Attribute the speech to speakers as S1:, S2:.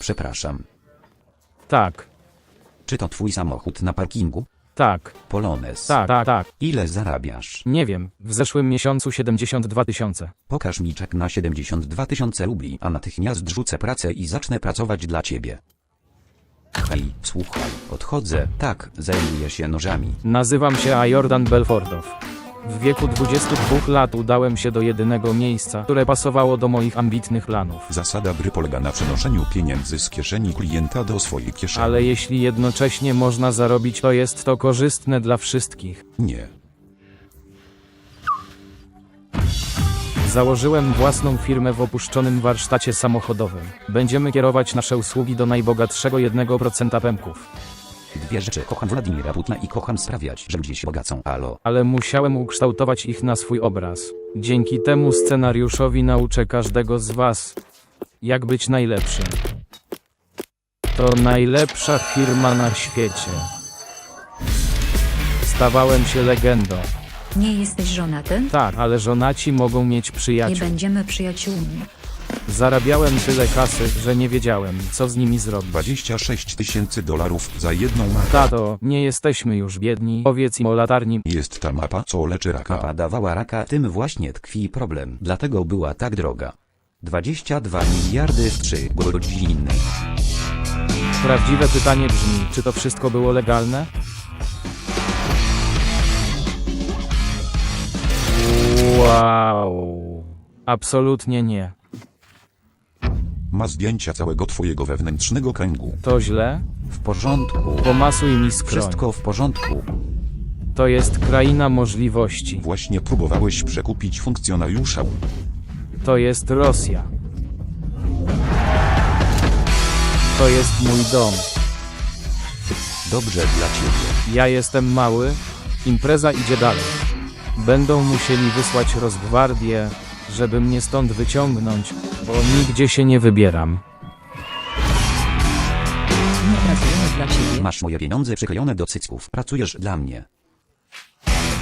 S1: Przepraszam.
S2: Tak,
S1: Czy to twój samochód na parkingu?
S2: tak,
S1: Polones.
S2: tak.
S1: Ile zarabiasz?
S2: Nie wiem, w zeszłym miesiącu 72 000.
S1: Pokaż mi czek na 72 000 rubli, a natychmiast rzucę pracę i zacznę pracować dla ciebie. Hej, słuchaj, odchodzę. Tak, zajmuję się nożami.
S2: Nazywam się Jordan Belfordow. W wieku 22 lat udałem się do jedynego miejsca, które pasowało do moich ambitnych planów.
S3: Zasada gry polega na przenoszeniu pieniędzy z kieszeni klienta do swojej kieszeni.
S2: Ale jeśli jednocześnie można zarobić, to jest to korzystne dla wszystkich.
S3: Nie.
S2: Założyłem własną firmę w opuszczonym warsztacie samochodowym. Będziemy kierować nasze usługi do najbogatszego 1% Pemków.
S1: Dwie rzeczy. Kocham Władimira Putina i kocham sprawiać, że ludzie się bogacą. Alo.
S2: Ale musiałem ukształtować ich na swój obraz. Dzięki temu scenariuszowi nauczę każdego z was, jak być najlepszym. To najlepsza firma na świecie. Stawałem się legendą.
S4: Nie jesteś żonaty?
S2: Tak, ale żonaci mogą mieć
S4: Nie
S2: przyjaciół.
S4: będziemy przyjaciółmi.
S2: Zarabiałem tyle kasy, że nie wiedziałem, co z nimi zrobić.
S3: 26 000 $ za jedną mapę.
S2: Tato, nie jesteśmy już biedni. Powiedz im o latarni.
S3: Jest ta mapa, co leczy raka.
S1: Mapa dawała raka, tym właśnie tkwi problem. Dlatego była tak droga. 22 miliardy w 3 godziny.
S2: Prawdziwe pytanie brzmi, czy to wszystko było legalne? Wow. Absolutnie nie.
S3: Ma zdjęcia całego twojego wewnętrznego kręgu.
S2: To źle?
S1: W porządku.
S2: Pomasuj mi skroń.
S1: Wszystko w porządku.
S2: To jest kraina możliwości.
S3: Właśnie próbowałeś przekupić funkcjonariusza.
S2: To jest Rosja. To jest mój dom.
S1: Dobrze dla ciebie.
S2: Ja jestem mały. Impreza idzie dalej. Będą musieli wysłać Rosgwardię, żeby mnie stąd wyciągnąć, bo nigdzie się nie wybieram.
S4: Nie pracujemy dla ciebie.
S1: Masz moje pieniądze przyklejone do cycków. Pracujesz dla mnie.